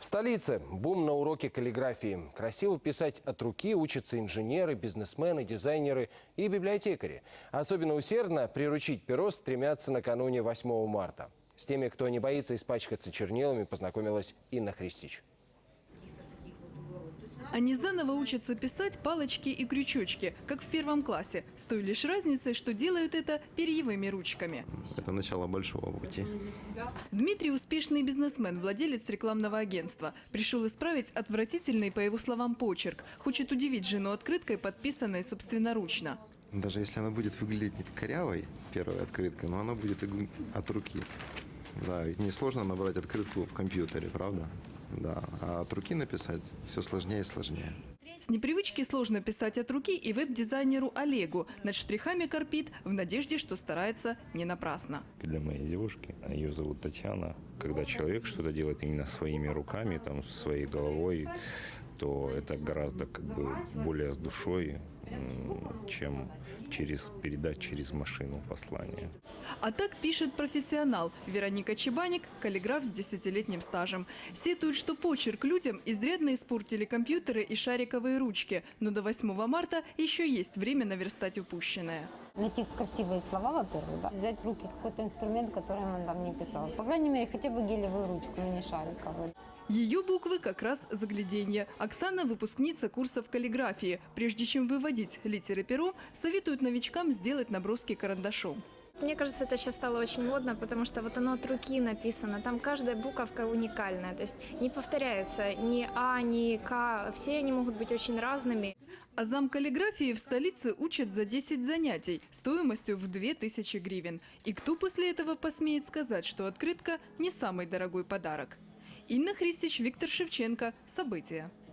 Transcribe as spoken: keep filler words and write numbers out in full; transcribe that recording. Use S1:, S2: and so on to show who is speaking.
S1: столице бум на уроке каллиграфии. Красиво писать от руки учатся инженеры, бизнесмены, дизайнеры и библиотекари. Особенно усердно приручить перо стремятся накануне восьмого марта. С теми, кто не боится испачкаться чернилами, познакомилась Инна Христич.
S2: Они заново учатся писать палочки и крючочки, как в первом классе, с той лишь разницей, что делают это перьевыми ручками.
S3: Это начало большого пути.
S2: Дмитрий – успешный бизнесмен, владелец рекламного агентства. Пришел исправить отвратительный, по его словам, почерк. Хочет удивить жену открыткой, подписанной собственноручно.
S3: Даже если она будет выглядеть корявой, первая открытка, но она будет от руки. Да, ведь несложно набрать открытку в компьютере, правда? Да, а от руки написать все сложнее и сложнее.
S2: С непривычки сложно писать от руки и веб-дизайнеру Олегу. Над штрихами корпит в надежде, что старается не напрасно.
S4: Для моей девушки, ее зовут Татьяна, когда человек что-то делает именно своими руками, там, своей головой, то это гораздо как бы более с душой, чем через передать через машину послание.
S2: А так пишет профессионал. Вероника Чебаник – каллиграф с десятилетним стажем. Сетует, что почерк людям изрядно испортили компьютеры и шариковые ручки. Но до восьмого марта еще есть время наверстать упущенное.
S5: Найти красивые слова, во-первых, да? Взять в руки какой-то инструмент, который он там не писал. По крайней мере, хотя бы гелевую ручку, но не шариковую.
S2: Ее буквы как раз загляденье. Оксана – выпускница курсов каллиграфии. Прежде чем выводить литеры пером, советуют новичкам сделать наброски карандашом.
S6: Мне кажется, это сейчас стало очень модно, потому что вот оно от руки написано. Там каждая буковка уникальная. То есть не повторяется ни А, ни К. Все они могут быть очень разными.
S2: А зам каллиграфии в столице учат за десять занятий стоимостью в две тысячи гривен. И кто после этого посмеет сказать, что открытка не самый дорогой подарок? Инна Христич, Виктор Шевченко. События.